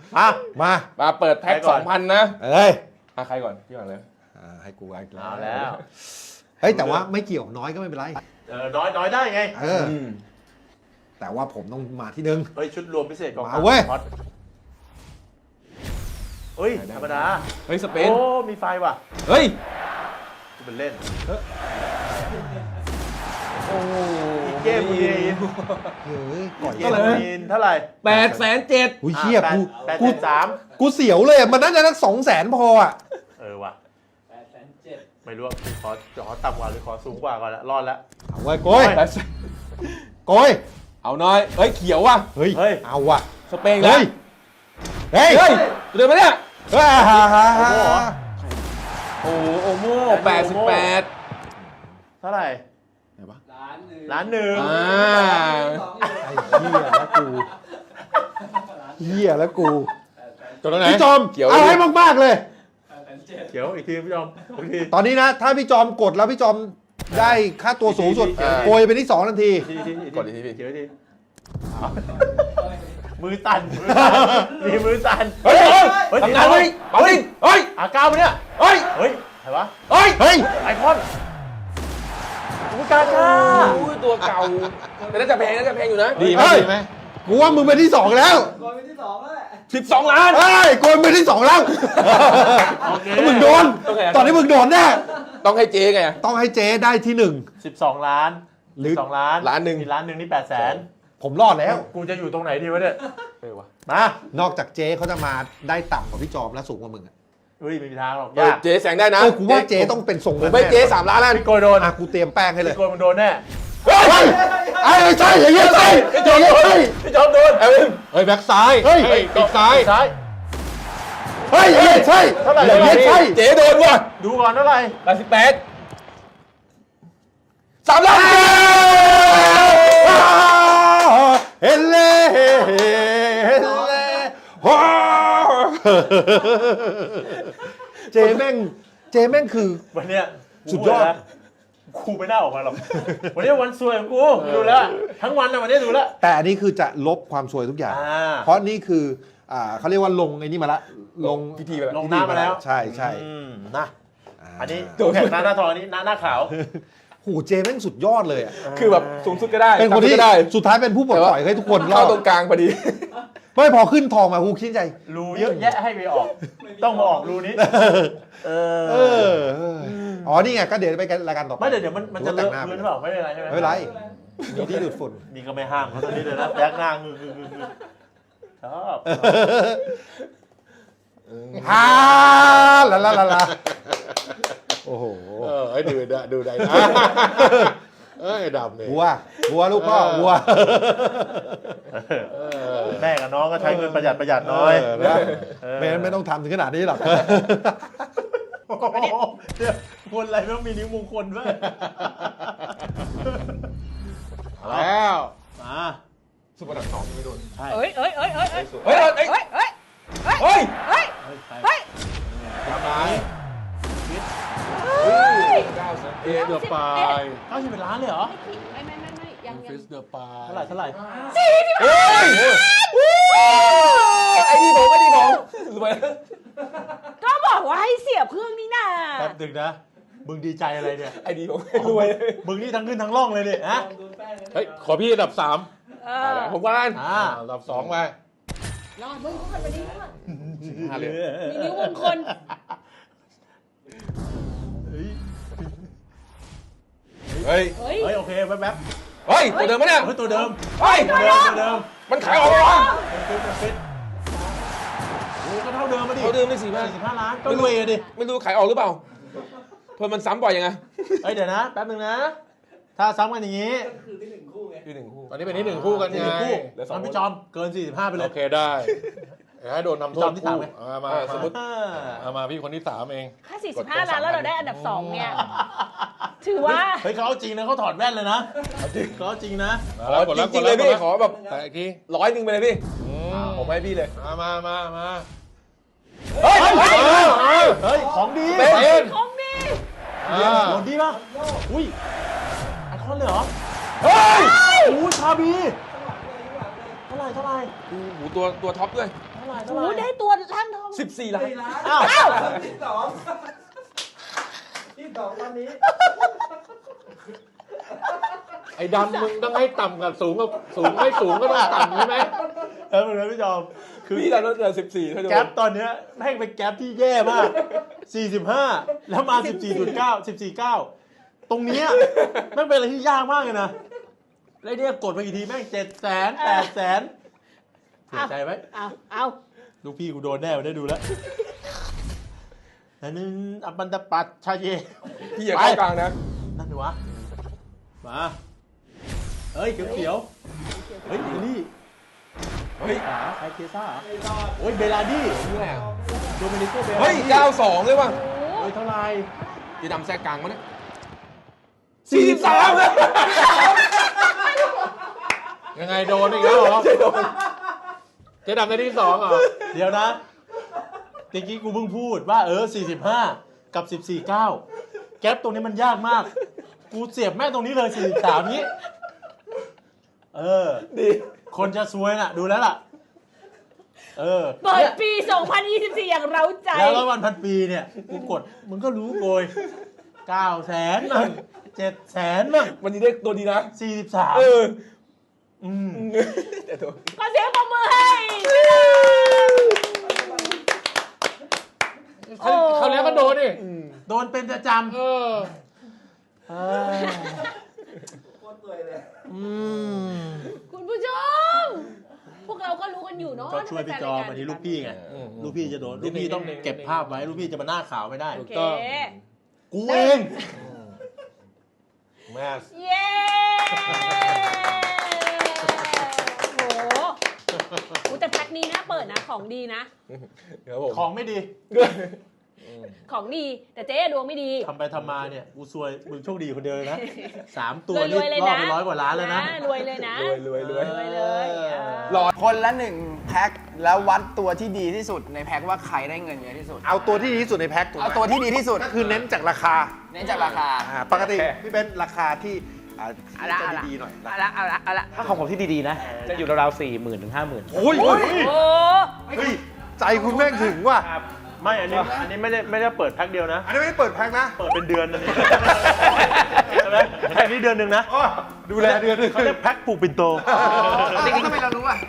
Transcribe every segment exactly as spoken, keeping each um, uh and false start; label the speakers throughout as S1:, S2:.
S1: มามา
S2: มาเปิดแพ็คสองพันนะ
S1: เอ้ย
S2: อ่ะใครก่อนพี่ก่อนเลย
S1: ให้กูอีก
S3: เอาแล้ว
S1: เฮ้ยแต่ว่าไม่เกี่ยวน้อยก็ไม่เป็นไร
S3: เออน้อยน้อยได้ไง
S1: เออแต่ว่าผมต้องมาที่หนึ่ง
S3: เฮ้ยชุดรวมพิเศษกอง
S1: มาเว้ย
S3: เฮ้ยธรรมดา
S2: เฮ้ยสเปน
S3: โอ้มีไฟว่ะ
S2: เฮ้ย
S3: เป็นเล่น
S2: โอ้
S3: อีกเกมมูนีน
S1: เฮ้ยก่อน
S3: เกมมูนีนเท่าไหร่
S2: แปดแสนเจ็ด
S1: อุ้ยเชี่ยกู
S3: แปด
S1: กู
S3: แสนสาม
S1: กูเสียวเลยอะมันน่าจะสักสองแสนพออ่ะ
S3: เออว่ะ
S4: แปดแสนเจ็ด
S3: ไม่รู้ว่าขอขอต่ำกว่าหรือขอสูงกว่าก่อนละรอดแล้ว
S1: เอาไว้โกย
S2: แปดแสน
S1: โกย
S2: เอาน้อยเฮ้ยเขียวว่ะ
S1: เฮ้ย
S3: เฮ้ย
S1: เอาว่ะ
S2: สเปนแล้
S1: เฮ้
S2: วย
S1: เฮ้ย
S2: เฮ้ยเดินมาเนี่ย
S1: เฮ้ยฮ่าฮ่าฮ่า
S2: โอ้โอโม่แปดสิบแปด
S3: เท่าไหร่
S2: ไหนวะ
S4: ล้านหนึ่ง
S3: ล้านหนึ่ง
S2: อ่า
S1: ไอ้เหี้ยแล้วกูเหี้ยแล้วกู
S2: จบแล้วไหน
S1: พี่จอม
S2: เขียว
S1: เอาให้มากๆเลย
S4: แปดแสนเจ็ด
S3: เขียวอีกทีพี่จอมอีกที
S1: ตอนนี้นะ ถ้าพี่จอมกดแล้วพี่จอมได้ค่าตัวสูงสุด
S3: อ่า
S1: โกยไปที่สองทันที
S3: อีกทีอีกที
S2: กดอีกทีพี่
S3: เขียวอีกทีเอามือตันมือตันมีมือตัน
S2: เฮ้ยเฮ้ย
S3: เฮ้ย
S2: ทำงานเฮ้ยเฮ้ยเฮ้ย
S3: อาก้าวไปเนี่ย
S2: เฮ้ย
S3: เฮ้ยใครวะ
S2: เฮ้ย
S1: เฮ้ย
S3: ไอคอนอุกาก้า
S2: โอ้ยตัวเก่าแต่น่าจะแพงน่าจะแพงอยู่นะ
S1: ดีไหมดีไหมกูว่ามึงไปที่สองแล้ว
S4: ก่อนเป็นที่สองแล้วแหละ
S2: สิบสองล้าน
S1: เฮ้ยโกยไปที่สองแล้ว
S3: โอเค
S1: มึงโดน ตอนนี้มึงโดนแน่
S2: ต้องให้เจ๊ไง
S1: ต้องให้เจ๊ได้ที่หนึ่ง
S3: สิบสองล้าน
S1: หรือ
S3: สองล้าน
S2: ล้านหนึ่ง
S3: มีล้านหนึ่งนี่แปดแสน
S1: ผมรอดแล้ว
S3: กูจะอยู่ตรงไหนดีวะเนี่ย
S2: เออวะ
S3: มาน
S1: อกจากเจ๊เขาจะมาได้ต่ำกว่าพี่จอมและสูงกว่ามึงอะ
S3: เฮ้ยไม่มีทางหรอก
S2: เออย
S3: าก
S2: เจ๊แซงได้นะ
S1: เออกูว่าเจ๊ต้องเป็นทรง
S2: ผม
S1: นั้น
S2: ไม่
S1: แน่
S2: เจ๊สามล้านแล้ว
S3: พี่โกยโดน
S1: อ่ะกูเตรียมแป้งให้เลย
S3: พี่โกยมันโดนแน่
S2: เฮ้ย
S1: เฮ้ยไอ้ไม่ใช่อย่างเงี้ยใช่อย่างเงี้ยใช่
S3: พี่จอมโดน
S2: เอ้ยเฮ้ยแบ็คซ้าย
S1: เฮ้ย
S2: ปีกซ้าย
S3: ซ้าย
S1: เฮ้ยอย่างเงี้ยใช่
S3: เท่าไหร่
S1: อย่างเงี้ยใช่
S2: เจ๊โดนว่ะ
S3: ดูก่อนเท่าไหร่
S2: แปดสิบแปดสามล้าน
S1: เฮเล่เฮเล่ว้าวเจแม่งเจแม่งคือ
S3: วันเนี้ย
S1: สุดยอด
S3: กูนะกูไม่น่าออกมาหรอกวันนี้วันสวยของกูดูแล้วทั้งวันนะวันนี้ดูแล้ว
S1: แต่อันนี้คือจะลบความสวยทุกอย่าง
S3: อ่า
S1: เพราะนี่คืออ่าเขาเรียกว่าลงไอ้นี่มาละลง
S2: พิธีไปแล้ว
S3: ลงน้ำมาแล้ว
S1: ใช่ใช่
S3: อืมนะ
S1: า
S3: อันนี้แข่งหน้าหน้าทองอันนี้หน้าหน้าขาว
S1: โหเจแม่งสุดยอดเลยอะ
S2: คือแบบสูงสุดก็ได้
S1: เป็นคนที่
S2: ต่ำสุดก็ได้
S1: สุดท้ายเป็นผู้ปลดปล่อยให้ทุกคนรอ
S2: เข้า
S1: ด
S2: ตรงกลางพอดี
S1: ไม่พอขึ้นทองมากูคิดใจ
S3: รูเยอะแยะให้ไปออก ต้องมาออกรูนี้ เออ
S1: เอออ๋อนี่ไงก็เดี๋ยวไปรายการต่อไป
S3: ไม่เดี๋ยวเดี๋ยวมันมันจะเลอะ
S1: แต่งห
S3: พื้นห
S1: น้า
S3: รือเปล่าไม่เป็นไรใช่ไหม
S1: ไม่เป็นไรมีที่ดูดฝุ่น
S3: นี่ก็ไม่ห้ามเขาตอนนี้เลยนะแบ็กหน้างือๆๆชอบ
S1: ฮ่าลาลาลาลาโอ้โห
S5: เออให้ดูได้ดูได้นะเอ้ยดำเนี่ย
S1: วัววัวลูกพ่อวัว
S3: แม่กับน้องก็ใช้เงินประหยัดประหยัดน้อย
S1: เออนะไม่งั้นไม่ต้องทำถึงขนาดนี้หรอก
S3: โอ้โหเดี๋ยวคนอะไรไม่ต้องมีนิ้วมงคลด้วย
S5: แล้ว
S3: มา
S2: สุดระดับสองไม่โดน
S6: เอ้ยเอ้ยเอ้ยเอ้ยเอ้ย
S2: เฮ้ยเฮ้ย
S6: เอ้ยเอ้ย
S2: เฮ้ย
S6: เอ้ย
S3: เฮ้ยใคร
S6: เฮ้ย
S5: ทำไม
S6: เฮ้ย
S5: เอเดอร์ปาย
S3: เก้าสิบเป็นล้านเลยเหรอ
S6: ไม่ไม่ไม่ไม่ยังยั
S5: ฟิ
S6: ง
S5: สเดอร์ปาย
S3: เท่าไหร่เท่าไหร่
S2: เฮ้ยไอ้นี่ผมไอ้นี่ผมรวย
S6: ก็บอกว่าให้เสียบเครื่องนี่นา
S3: แป๊บดึงนะ มึงดีใจอะไรเนี่ย
S2: ไอ้นี่ผมรวย
S3: มึงนี่ทั้งขึ้นทั้งล่องเลยเนี่ยฮะ
S4: โดนแป้งเลย
S5: เฮ้ยขอพี่อันดับสาม
S6: เอ
S2: เอา
S6: อ
S2: ละผมว่าอัน
S3: อ่า
S5: อันดับสองไป
S6: รอดมึงก็ไปดีรอด
S5: ห้าเหรียญ
S6: มีนิ้วมงคล
S3: เฮ้ย
S2: เฮ้ย
S6: เฮ้ย
S3: เฮ้ยโอเคแป๊บแป๊บ
S2: เฮ้ยตัวเดิมปะเนี่ย
S3: เฮ้ยตัวเดิม
S2: เฮ้ย
S3: ตัวเดิมตัวเดิม
S2: มันขายออกแล้ววะ
S3: เป็นฟิตเป็นฟิตโอ้ก็เท่าเดิมมาดิ
S2: เขาเดิมไม่สี่พัน
S3: สี่สิบห้าล้านก็รวยอะดิ
S2: ไม่รู้ขายออกหรือเปล่าเพิ่มมันซ้ำบ่อยยังไง
S3: เฮ้ยเดี๋ยวนะแป๊บนึงนะ ถ้าซ้ำกันอย่างนี้
S4: ก็คือที่หนึ่งคู่ไง
S2: ที่หนึ่งคู่
S5: ตอนนี้เป็นที่หนึ่งคู่กัน
S3: หนึ่
S5: ไง
S3: งคู่
S2: เหลือสอง
S3: งั้นพี่จอมเกินสี่สิบห้าไปเล
S5: โอย เคได้เดี๋ยวให้โดนทำโท
S3: จอ
S5: ษ
S3: มที่สามไหม
S5: เอามา
S2: อ่า
S5: มา
S2: สมมุติ
S3: อ่า
S5: เอามาพี่คนที่สามเอง
S6: แค่สี่สิบห้าล้านแล้วเราได้อันดับสองเนี่ย ถือว่า
S3: เฮ้ยเขาเอาจริงนะเขาถอดแว่นเลยนะเขาเอาจริงนะ
S2: ขอจริงๆเลยพี่ขอแบบ
S5: แต่อีกที
S2: ร้อยหนึ่งไปเลยพี่
S5: อืม
S2: ผมให้พี่เลย
S5: มามามามา
S2: เฮ้ยเฮ้ย
S5: เฮ้ย
S3: เฮ้ยของดี
S2: เป็น
S5: เป็น
S6: ของดี
S5: อ่า
S3: โหดดีป่ะอุ้ยไอคอนเลยเหรอ
S2: เฮ้ย
S3: อุ้ยชาบีเท่าไหร่เท่าไหร่
S2: โอ้โหตัวตัวท็อปด้วย
S3: เท่าไหร่
S6: โอ้โหได้ตัวร่างทอง
S2: สิบสี่ล้าน
S4: สี่ล้าน
S1: อ้าว
S4: ที่สองที่สองตอนนี้
S5: ไอ้ดำมึงต้องให้ต่ำกับสูงกับสูงไม่สูงก็ต้องต่ำใช่ไหม
S1: เออเหมือนกันพี่จอมคือ
S2: พี่ดันรถเหลือสิบสี่เท่าเดิม
S1: แก๊ปตอนเนี้ยแม่งเป็นแก๊ปที่แย่มาก สี่สิบห้า แล้วมา สิบสี่จุดเก้า สิบสี่จุดเก้า ตรงเนี้ยแม่งเป็นอะไรที่ยากมากเลยนะแล้วเนี่ยกดไปกี่ทีแม่งเจ็ดแสนแปดแสนเสียใจไหม
S6: เอาเอา
S1: ลูกพี่กูโดนแน่ได้ดูแล้วอันนึงอัปปันตะปัดชาเย
S2: พี่อย่าเข้ากลางนะ
S1: นั่นดูวะ มาเฮ้ยเขียวๆเฮ้ยนี่
S2: เฮ้ย
S1: ขาใครเคซ่าเหรอโอ้ยเบลาดี้
S2: นี่แหละ
S1: โดมินิโกเบลาดี้
S2: เฮ้ยเก้าสองเลยว่ะ
S1: เฮ้ยเท่าไหร่
S2: พี่ดำแทรกกลางมั้ยเนี่ย
S1: สี่สิบสาม
S5: ยังไงโดนอีกแล้วเหรอเจ๊ดำในที่สองเหรอ
S1: เดี๋ยวนะตะกี้กูเพิ่งพูดว่าเออสี่สิบห้ากับสิบสี่เก้าแก๊ปตรงนี้มันยากมาก กูเสียบแม่งตรงนี้เลยสี่สิบสามนี้ เออ
S2: ดี
S1: คนจะซวยน่ะ ดูแล้วล่ะ เออ
S6: เปิดปี สองพันยี่สิบสี่ อย่างเร้าใจ
S1: แล้วร้อยวันพันปีเนี่ย กูกด มึงก็รู้โกยเก้าแสนมั่งเจ็ดแสนมั่ง
S2: วันนี้ได้ตัวดีนะ
S1: สี่สิบสาม
S2: เออ
S1: อืม
S2: แต่ตัว
S6: ขอเสียงปรบมือให้โอ้
S5: เขาแล้วก็โดนดิ
S1: โดนเป็นประจำ
S5: เออ
S1: เออ
S4: โคตรสวยเลย
S1: อืม
S6: คุณผู้ชม พวกเราก็รู้กันอยู่เนาะ
S1: ก็ช่วยพี่จอมอันนี้ลูกพี่ไง
S2: อืม
S1: ลูกพี่จะโดน ลูกพี่ต้องเก็บภาพไว้ ลูกพี่จะมาหน้าขาวไม่ได้
S6: โอเค
S1: กูเอง
S5: แม่
S6: เย้โอ้โหโอ้แต่แพ็คนี้นะเปิดนะของดีนะ
S2: ครับผม
S1: ของไม่ดี
S6: ของดี แต่เจ๊ดวงไม่ดี
S1: ทำไปทำมาเนี่ย กูซวย มึงโชคดีคนเดียวเลยนะ สามตัว
S6: ร
S1: นี่
S6: วยๆเลย
S1: รอ
S6: นะ
S1: บไปร้อยกว่าล้านแล้วนะ
S6: รวยเลยนะ
S2: รวยรวยรวย
S6: รวยเลยเออ
S2: รอ
S7: คนละหนึ่งแพ็คแล้ววัดตัวที่ดีที่สุดในแพ็คว่าใครได้เงินเยอะที่สุด
S5: เอาตัวที่ดีที่สุดในแพ็คถูกไหม
S7: เอาตัวที่ดีที่สุด
S5: ก็คือเน้นจากราคา
S7: เน้นจากราคา
S5: อ่าปกติพี่เบนซ์ราคาที่อ่า
S6: เอาละ
S5: จะ
S6: เอาละ
S5: ดีๆหน่อย
S6: เอาละเอาละเอาละ
S3: ถ้าของผมที่ดีๆนะ จะอยู่ราวๆสี่หมื่นถึงห้าหมื่น
S5: โอ้ย
S6: โอ้
S5: เฮ้ยใจคุณแม่งถึงว่ะ
S3: ครับ ไม่ อันนี้ อันนี้ไม่ได้ไม่ได้เปิดแพ็คเดียวนะ
S5: อันนี้ไม่ได้เปิดแพ็คนะ
S3: เปิดเป็นเดือนอันนี้ใช่ไหมแพ็คนี้เดือนหนึ่งนะ
S5: อ๋อดูแลเดือนหนึง
S3: เขาเรียกแพ็คปลูกปิ่นโต
S7: จริงๆทำไมเรารู้อ่ะ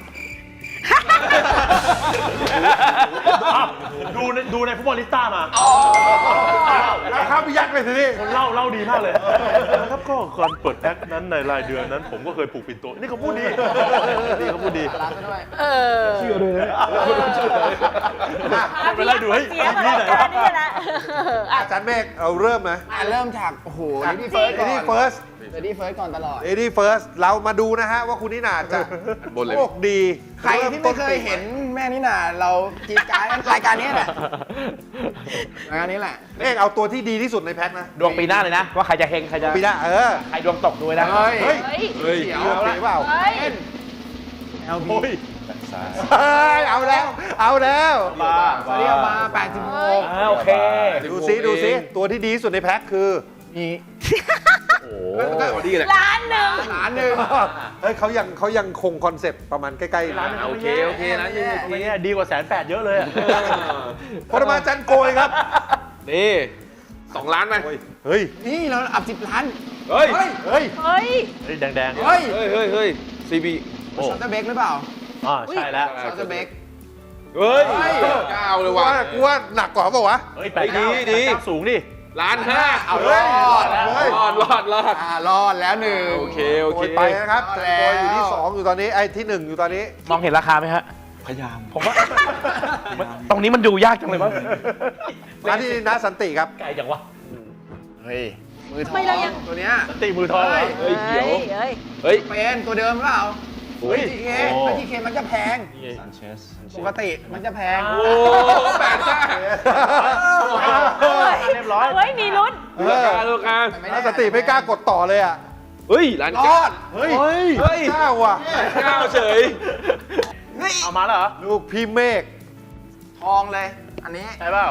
S3: อ้าวดูในดูในฟุตบอลลิสต้ามา
S5: แล้วข้ามไปยัดไปสินี่
S3: คนเล่าเล่าดีมากเลยนะครับก็ก่อนเปิดแพ็คนั้นในรายเดือนนั้น ผมก็เคยปลูกปิ่นโต นี่เขาพูดดี นี่เขาพูดดี
S7: รักซะด้วย
S6: เออ
S3: เชื่อเลยนะ
S6: พา
S3: ไปไล่ดูให้
S6: เสีย
S3: ที่
S6: มา
S3: ไหน
S6: แล้ว
S3: วะ
S6: นี่นะอ่ะ
S5: อาจารย์เมฆเราเริ่มไหม
S7: อ่ะเริ่มจาก โอ้โห
S5: จาก
S7: เลดี้เฟิร์ส
S5: เอ
S7: ก่อน
S5: ดี้เฟิร์ส
S7: เลดี้เฟิร์สก่อนตลอด
S5: เอดี้เฟิร์สเรามาดูนะฮะว่าคุณนิน่าจะโชคดี
S7: ใครที่ไม่เคยเห็นแม่นี่น่ะเราจีดการดรายการนี้แหละรายการนี้แหละ
S5: เมฆเอาตัวที่ดีที่สุดในแพ็คนะ
S3: ดวงปีหน้าเลยนะ ว่าใครจะเฮงใครจะ
S5: ปีหน้าเออ
S3: ใครดวงตกด้วยนะ
S7: เฮ้ย
S5: เฮ้ย
S6: เฮ้ย
S2: เฮ้ย
S7: เดี๋ยว
S5: โอเคเปล่า
S6: เฮ้ย
S3: โอ้ย
S5: เฮ้ยเอาแล้ว เอาแล้ว
S3: มา
S7: สวัสดีเอามาแปดสิบหก
S3: อ่าโอเค
S5: ดูซิดูซิตัวที่ดีที่สุดในแพ็คคือ
S7: มี
S2: ก็ดีแหละ
S6: ล้านหนึ่ง
S7: ล้านหนึ่ง
S5: เฮ้ยเขายังเขายังคงคอนเซ็ปต์ประมาณใกล้ๆร้าน
S2: โอเคโอเคนะนี่
S3: อันนี้ดีกว่าแสนแปดเยอะเลยอะ
S5: พรมาจันโกยครับ
S2: นี่สองล้านไหม
S5: เฮ้ย
S7: นี่เราอับสิบล้าน
S2: เฮ้ย
S5: เฮ้ย
S6: เฮ้ย
S3: เฮ้ยแดงๆ
S7: เฮ้ย
S2: เฮ้ยเฮ้ยเฮ้ยซีบี
S3: โอ้
S7: ช็อตเตอร์เบรกหรือเปล่า
S3: อ่าใช่แล้ว
S7: ช็อตเตอร์เบรก
S2: เฮ้ย
S7: เฮ้ย
S2: เก้าเลย
S5: กู
S2: ว่ะ
S5: ว่ากูว่าหนักกว่าเปล่าวะ
S3: เฮ้ยแปด
S2: ดี
S3: เก้า
S2: ดี
S3: แปเก้าสูงดิ
S2: ล้านห้า
S7: เอา
S5: เฮ้
S7: ร
S5: ย
S7: อด
S5: เฮ้ย
S2: รอดรอดรอด
S7: อ่ารอดแล้วหนึ่ง
S2: โอเคโอ
S5: โก
S2: เค
S5: ยไปนะครับ
S7: เอา
S5: จัน
S7: แล้ว
S5: โกยอยู่ที่สองอยู่ตอนนี้ไอ้ที่หนึ่งอยู่ตอนนี้
S3: มองเห็นราคาไหมฮะ
S2: พยายาม
S3: ผมว่าตรงนี้มันดูยากจังเลยมั้ง
S5: มาที่น้าสันติครับ
S3: ไกลจังวะ
S7: เฮ้ย มือทอ
S6: ไม่เรายัง
S7: งตัวเนี้ย
S3: ตีมือทองเหรอ
S2: เฮ้ยเขียว
S6: เฮ้ย
S2: เฮ้ย
S7: เป็นตัวเดิมหรือเปล่า
S3: เฮ้ย
S7: จีเค
S3: โอ้
S7: จีเคมันจะแพง ปกติมันจะแพง
S2: โอ้แปดห้า
S3: เฮ้ยเรียบร้อย
S6: เฮ้ย มีลุ้น
S5: เอ
S2: รา
S5: อ
S2: คาราคา
S5: น้าสันติไม่กล้ากดต่อเลยอ่ะ
S2: เฮ้ยล้าน
S7: ร
S2: เก้า
S7: อด
S5: เฮ้ย
S2: เฮ้ย
S5: เก้าว่ะ
S2: เก้าเฉย
S7: เฮ้ย
S3: เอามาแล้วเหรอ
S5: ลูกพี่เมฆ
S7: ทองเลย อันนี้
S3: ใช่เปล่า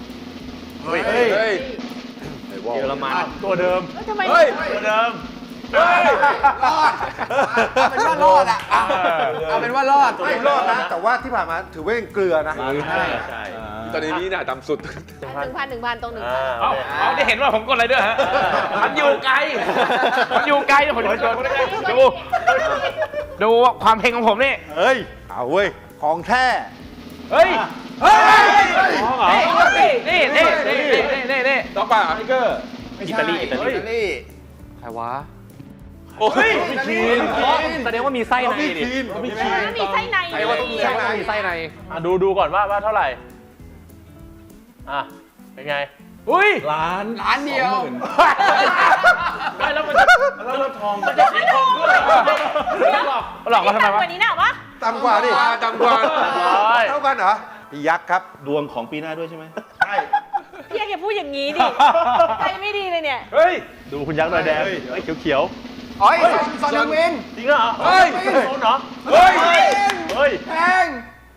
S5: เฮ้ย
S2: เฮ้ย
S3: เยอรมันตัวเดิม
S6: เฮ้ยทำไม
S2: เฮ้ย
S3: ตัวเดิม
S7: เรอดเอาเป็นว่ารอดอ่ะเอาเอาเป็นว่ารอด
S8: ไม่รอดนะ แต่ว่าที่ผ่านมาถือว่ายังเกลือนะ
S1: ใช่ใช่
S2: ตอนนี้นี่น่าต่ำสุด
S6: หนึ่งพันหนึ่งพันตรงหนึ่งพัน
S5: เอาเอาได้เห็นว่าผมกดอะไรด้วยฮะ มันอยู่ไกล มันอยู่ไกลผมจะกดดู ดูความเพลงของผมนี่
S8: เฮ้ย เอาเว้ย ของแท้
S5: เฮ้ย
S7: เฮ้ย
S5: นี่นี่นี่นี่นี่นี่นี่
S2: ต่อป่าไทเกอร์
S7: อิตาลีอิตาลีอิตาลี
S5: ใครวะ
S2: โอ้ย
S7: คีน
S5: แสดงว่ามีไส้ในดิ
S6: ไม่มีไส้ใน
S2: ใครว่าต้องมีไส้ใน
S5: มีไส้ใน
S1: อ่ะดูดูก่อนว่าว่าเท่าไหร่ อ่ะ เป็นไง
S5: อุ้ย
S2: ล้าน
S7: ร้านเดียว
S1: ไม่แล้วมันจะแล้วมันทองมันจะสีทองด้วย
S5: หลอกมาทำไมวะ
S6: วันนี้น่ะวะ
S8: ต่ำกว่าดิ
S2: ต่ำกว่า
S1: ร้อย
S8: เท่ากันเหรอพี่ยักษ์ครับ
S3: ดวงของปีหน้าด้วยใช่ไหม
S8: ใช่
S6: พี่อย่าพูดอย่างนี้ดิ ใจไม่ดีเลยเนี่ย
S1: เฮ้ย ดูคุณยักษ์หน่อยแดงเฮ้ยเขียว
S7: โอ้ยซอนเดอร์วิน
S1: ๆจริงเหรอ
S7: เฮ้ย
S1: โซนเหรอ
S7: เฮ้ย
S1: เฮ้ย
S7: แพง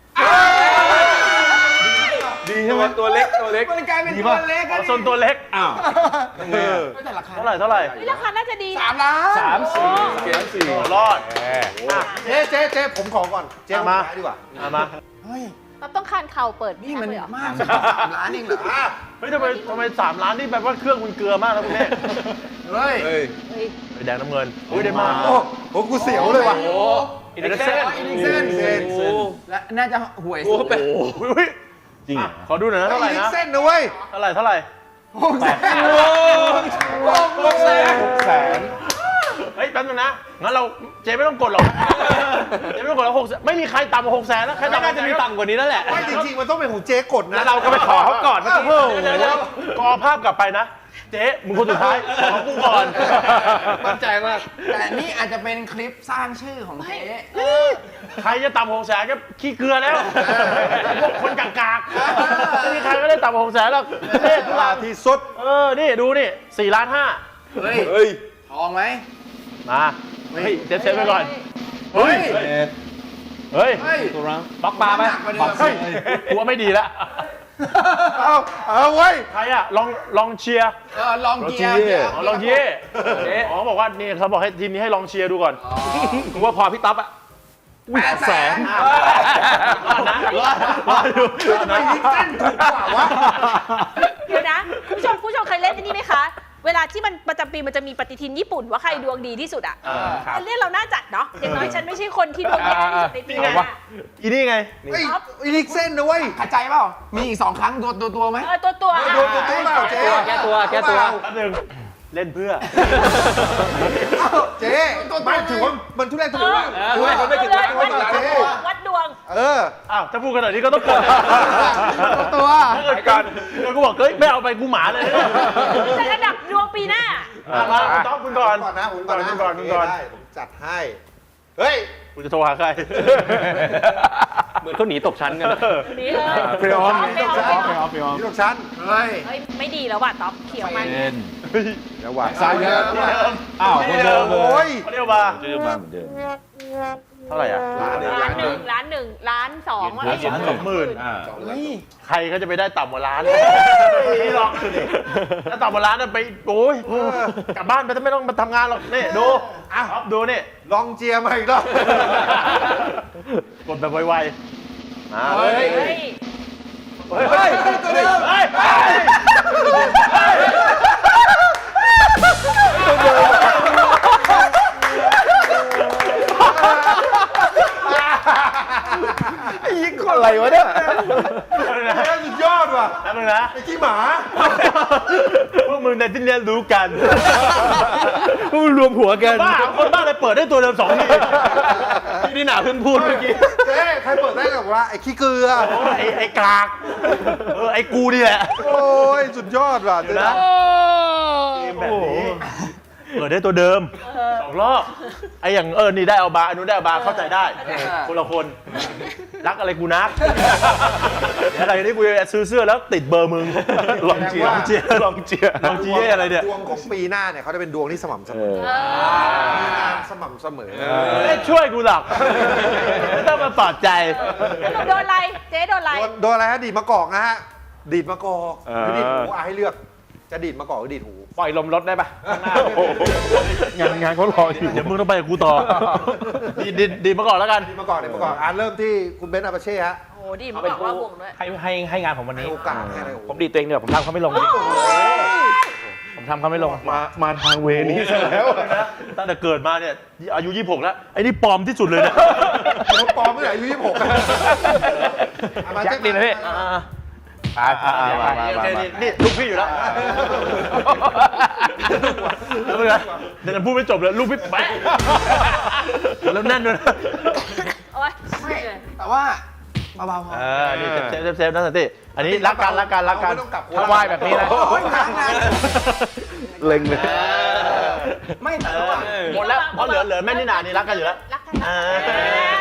S2: ดีใช่ไหมตัวเล็กตัวเล็ก
S7: มันกลายเป็นตัวเล็ก
S1: อ๋อโซนตัวเล็ก
S2: อ้าว
S8: เออ
S7: แต่ราคา
S1: เท่าไหร่เท่าไหร่
S6: นี่ราคาน่าจะดี
S7: สา
S6: นะ
S7: มล้าน
S2: สามสี่เกมสี่
S1: โอ้รอด
S8: เจ๊เจ๊เจ๊ผมขอก่อน เจ๊
S1: มา
S8: มาดีกว่า
S1: เอามา
S7: เฮ้ย
S6: เราต้องคานเข่าเปิด
S7: นี่มัน
S6: เลยเหรอ
S7: มากสามล้านเองเหรอ
S1: เฮ้ยทำไมทำไมสามล้านนี่แบบว่าเครื่องคุณเกลือมากนะคุณแม่
S7: เฮ้ย
S2: เฮ้ย
S6: เฮ้ย
S1: ไปแดงน้ำเงินอุ้ยได้มาก
S8: โอ้โหกูเสียวเลยว่ะ
S2: โอ้
S1: อินเดเซน
S7: อินิกเซน
S8: เซนเซน
S7: และน่าจะหวย
S2: โห
S7: สุด
S2: แปด
S1: อุ้ยจริงขอดูหน่อยนะเท่าไหร่
S8: อีก
S1: นะ
S8: เส้นนะเว้ย
S1: เท่าไหร่เท่าไหร่
S7: หกแสน
S2: โอ้หกแสน
S8: แสน
S1: เฮ้ยแป๊บนึงนะงั้นเราเจ๊ไม่ต้องกดหรอกเจ๊ไม่ต้องกดแล้วหกแสนไม่มีใครต่ำกว่าหกแสนแล้วใครต่ำน่าจะมีต่ำกว่านี้แล้วแหละ
S8: ไม่จริงๆ มันต้องเป็นของเจ๊กดนะ
S1: แล้วเราก็ไปขอเขาก่อนนะเพิ่มเดี๋ยวเดี๋ยวกอภาพกลับไปนะ เจ๊มึงคนสุดท้ายขอกูก่อน
S2: มั่นใจมาก
S7: แต่นี่อาจจะเป็นคลิปสร้างชื่อของเจ๊
S1: ใครจะต่ำหกแสนก็ขี้เกลือแล้วพวกคนกากๆไม่มีใครก็ได้ต่ำหกแสนหรอกเจ๊ทุก
S8: ลา
S1: ลา
S8: ที่สุด
S1: เออนี่ดูนี่สี่ล้านห้า
S7: เฮ้ย
S2: เฮ้ย
S7: ทองไหม
S1: มาเฮ้ยเจ๊เซฟไปก่อน
S7: เฮ้ย
S1: เฮ้ย
S7: เฮ้ย
S5: บล็อกปลาไหม
S7: หนักกว่าเดิม
S1: เฮ้ยกูว่าไม่ดีแล้ว
S8: เอาเอาเว้ย
S1: ใครอะลองลองเชียร์
S7: เออลองเกียร์
S1: อ๋อลองเชียร์อ๋อบอกว่านี่เขาบอกให้ทีมนี้ให้ลองเชียร์ดูก่อนกูว่าพอพี่ต๊อบอะ
S7: แปดแสน
S1: รอดนะรอดรอดอยู่
S8: ทำไมลิกเส้นถูกกว่าวะ
S6: เดี๋ยวนะคุณผู้ชมผู้ชมเคยเล่นอันนี้ไหมคะ เวลาที่มันประจำปีมันจะมีปฏิทินญี่ปุ่นว่าใครดวงดีที่สุดอ่ะอันนี้เราน่าจัดเนาะอย่างน้อยฉันไม่ใช่คนที่ดวงแย่ที่สุดในปีหน้า
S1: อีนี่ไง
S8: ไอ้ไอ้ลิกเส้นนะเว้ย
S7: ขัดใจเปล่า มีอีกสองครั้งตัวตัวตัวไหม
S6: เออตัวตัว
S8: โดนตัวตัวเปล่าเจ๊
S5: แก้ตัวแก้ตัว
S1: แป๊บนึงเล่นเพื่อ
S8: เอ้าเจ๊ไม่ถือว่ามันทุเรศทุ
S6: เอ
S8: เร
S6: อ
S8: ศ
S6: เออเลยวัดดวงวัดดวง
S8: เออ
S1: อ้าวถ้าพูดขนาดนี้ก็ต้องกด
S7: ตัว
S1: ถ้าเกิดกันเดี๋ยวกูบอกเฮ้ยไม่เอาไปกูหมาเลย
S6: แต่ระดับดวงปีหน้า
S1: อ่ะมาคุณต๊อบคุณก่อน
S8: ก่อนนะผมก่อนนะ
S1: คุณก่อนคุณก่อน
S8: ได้ผมจัดให้ เฮ้ย
S1: กูจะโทรหาใคร
S5: เหมือนเขาหนีตกชั้นกัน
S6: นี่เลย
S5: พรีออม
S6: พรีออม
S5: พรีออมพรีออม
S8: นี่ลูกชั้น
S7: เฮ้ย
S6: เฮ้ยไม่ดีแล้วว่ะต๊อบเขียวมัน
S8: ระหว่าง
S2: สายเยอะ
S5: อ้าวคนเดิมเล
S8: โอ้ย
S1: เขาเรียกว่า
S5: เดิมมาเหมือนเดิม
S1: เท่าไหร่อ่ะ
S8: ล้านหนึ่ง
S6: ล้านหนึ่งล้านหนึ่งล้านสองว่า
S1: ล้านสองหมื่น
S5: อ่า
S7: เฮ้ย
S1: ใครเขาจะไปได้ต่ำกว่าล้านนี่หรอกถ้าต่ำกว่าล้านน่ะไปโอ้ยกลับบ้านไปไม่ต้องมาทำงานหรอกนี่ดูอ่ะดูนี่
S8: ลองเจียมาอีกรอบ
S1: กดแบบไวๆอ่า
S7: เฮ้ย
S6: เฮ้ย
S1: เฮ้ยเฮ้ยตัวเดิมเฮ้ยเฮ้ย
S2: ยิงคนอะไรวะเนี่ย
S8: สุดยอดว่ะ
S1: แป๊บนึงนะ
S8: ไอ้ขี้หมา
S1: พวกมึงในที่เรียนรู้กัน
S5: พวกรวมหัวกัน
S1: บ้าคนบ้าเลยเปิดได้ตัวเดิมสองทีที่นี่หนาเพิ่งพูดเมื่อกี้
S8: เจ๊ใครเปิดได้กับว่าไอ้ขี้เกลือ
S1: โอ้ยไอ้ไอ้กากเออไอ้กูนี่แหละ
S8: โอ้ย สุดยอดว่ะ
S1: เดี๋
S8: เจ๊
S1: ยวนะ
S8: นะ
S1: เกมแบบนี้เปิดได้ตัวเดิมสองรอบไอ้อย่างเออนี่ได้เอาบาร์อันนู้นได้เอาบาร์เข้าใจได้คนละคนรักอะไรกูนักเดี๋ยวอะไรนี้กูจะซื้อเสื้อแล้วติดเบอร์มึงลองเจียร์ลองเจียร์ลองเจียร์ลองเจียร์อะไรเนี่ย
S8: ดวงของปีหน้าเนี่ยเขาจะเป็นดวงที่สม่ำเสมอ
S6: เออ
S8: มีงานสม่ำเสมอ
S1: ไม่ได้ช่วยกูหรอกไม่ต้องมาปลอบใจ
S6: สรุปโดนอะไร เจ๊โดนอะไร
S8: โดนโดนอะไรฮะ ดีดมะกอกนะฮะ ดีดมะกอกหรือดีดหมูอ่ะให้เลือกจะดีดมาก่อนหรือดีดหู
S5: ปล่อยลมรถได้ปะข้างหน้า
S3: งานงานเขารออยู่เดี๋ยวมึงต้องไปกับกูต่อดีดีดีมาก่อนแล้วกัน
S8: ดีดมาก่อนดีดมาก่อนอ่าเริ่มที่คุณเบนซ์อาปาเช่ฮะ
S6: โอ้ดีมาบอกว่าวงด้วย
S5: ให้ให้ให้งานผมวัน
S8: ให้
S5: นี้
S8: โอกาสให้เลย
S5: ผมดีดตัวเองเดี๋ยวผมทำเขาไม่ลงดิผมทำเขาไม่ลง
S3: มามาทางเวนี้ซะแล้วนะตั้งแต่เกิดมาเนี่ยอายุยี่สิบหกแล้วไอ้นี่ปลอมที่สุดเลยนะ
S8: เขาปลอมเมื่อไหร่อายุยี่สิบหก
S5: ยักษ์ดีนะพี่
S3: อ่าอ่ามามามานี่ลูกพี่อยู่แล้วแล้วมึงนะเดี๋ยวพูดไม่จบเลยลูกพี่ไปแล้วแน่นด้วยนะ
S6: โอ้ย
S7: แต่ว่าเบาๆพอ
S3: เออนี่เซฟเซฟเซฟนะสันติอันนี้รักกันรักกันรักกัน
S8: ไม่ต้องกลับ
S5: ถ้าไหว้แบบนี้นะ
S7: โอ้ยค้างงาน
S3: เล็งเลย
S7: ไม่แต่ว่า
S1: หมดแล้วเพราะเหลือเหลือแม่นี่นานี่รักกันอยู่แล้ว
S6: รักกัน
S1: อ่า
S6: นะ